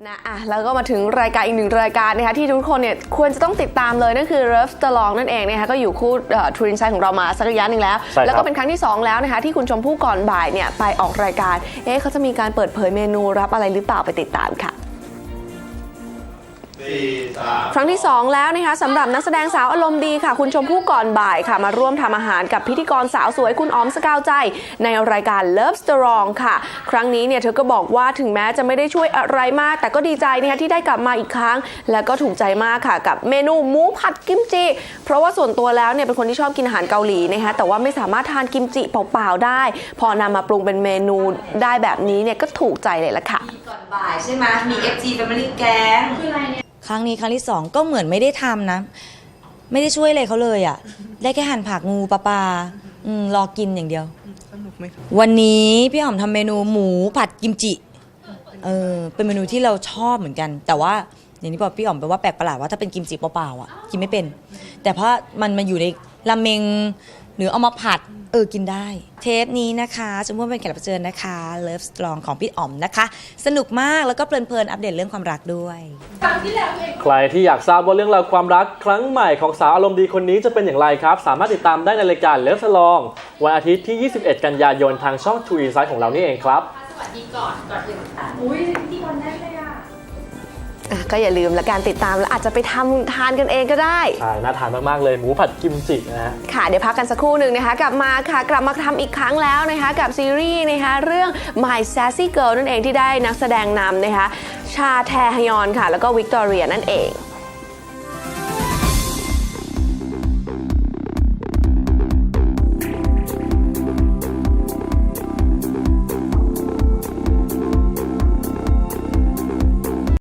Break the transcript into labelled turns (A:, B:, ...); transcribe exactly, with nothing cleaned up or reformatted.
A: นะอ่ะแล้วก็มาถึงรายการอีกหนึ่งรายการนะคะที่ทุกคนเนี่ยควรจะต้องติดตามเลยนั่นคือ Love the Long นั่นเองนะคะก็อยู่คู่ทรูอินไซด์ของเรามาสักระยะหนึ่งแล้วแล้วก็เป็นครั้งที่สองแล้วนะคะที่คุณชมพู่ก่อนบ่ายเนี่ยไปออกรายการเอ๊ะเขาจะมีการเปิดเผยเมนูรับอะไรหรือเปล่าไปติดตามค่ะครั้งที่สองแล้วนะคะสำหรับนักแสดงสาวอารมณ์ดีค่ะคุณชมพู่ก่อนบ่ายค่ะมาร่วมทำอาหารกับพิธีกรสาวสวยคุณออมสกาวใจในรายการ Love the Long ค่ะครั้งนี้เนี่ยเธอก็บอกว่าถึงแม้จะไม่ได้ช่วยอะไรมากแต่ก็ดีใจนะคะที่ได้กลับมาอีกครั้งและก็ถูกใจมากค่ะกับเมนูหมูผัดกิมจิเพราะว่าส่วนตัวแล้วเนี่ยเป็นคนที่ชอบกินอาหารเกาหลีนะคะแต่ว่าไม่สามารถทานกิมจิเปล่าๆได้พอนำมาปรุงเป็นเมนูได้แบบนี้เนี่ยก็ถูกใจเลยละค่ะ
B: ก่อนบ่ายใช่ไหมมี เอฟ จี Family Gang
C: ครั้งนี้ครั้งที่สองก็เหมือนไม่ได้ทำนะ ไม่ได้ช่วยอะไรเขาเลยอ่ะ ได้แค่หั่นผักงูปลาปลาอืมรอกินอย่างเดียววันนี้พี่หอมทำเมนูหมูผัดกิมจิเออเป็นเมนูที่เราชอบเหมือนกัน แต่ว่าอย่างที่บอกพี่หอมแปลว่าแปลกประหลาดว่าถ้าเป็นกิมจิเปล่าๆอ่ะกินไม่เป็น แต่เพราะมันมาอยู่ในราเมงหรือเอามาผัดเออกินได้เทปนี้นะคะชมพู่เป็นแขกรับเชิญนะคะ Love Strong ของพี่อ๋อมนะคะสนุกมากแล้วก็เพลินๆอัปเดตเรื่องความรักด้วย
D: ใครที่อยากทราบว่าเรื่องราวความรักครั้งใหม่ของสาวอารมณ์ดีคนนี้จะเป็นอย่างไรครับสามารถติดตามได้ในรายการ Love Strong วันอาทิตย์ที่ ยี่สิบเอ็ด กันยายนทางช่อง True Insight ของเรานี่เองครับ
E: สวัสดีก่อนก่อนอื่นอุ้ยพิธีกรได้เลยอ่ะ
A: ก็อย่าลืมละการติดตามแล้วอาจจะไปทำทานกันเองก็ได้
D: ใช่น่าทานมากๆเลยหมูผัดกิมจินะฮะ
A: ค่ะเดี๋ยวพักกันสักครู่หนึ่งนะคะกลับมาค่ะกลับมาทำอีกครั้งแล้วนะคะกับซีรีส์นะคะเรื่อง My Sassy Girl นั่นเองที่ได้นักแสดงนำนะคะชาแทฮยอนค่ะแล้วก็วิกตอเรียนั่นเอง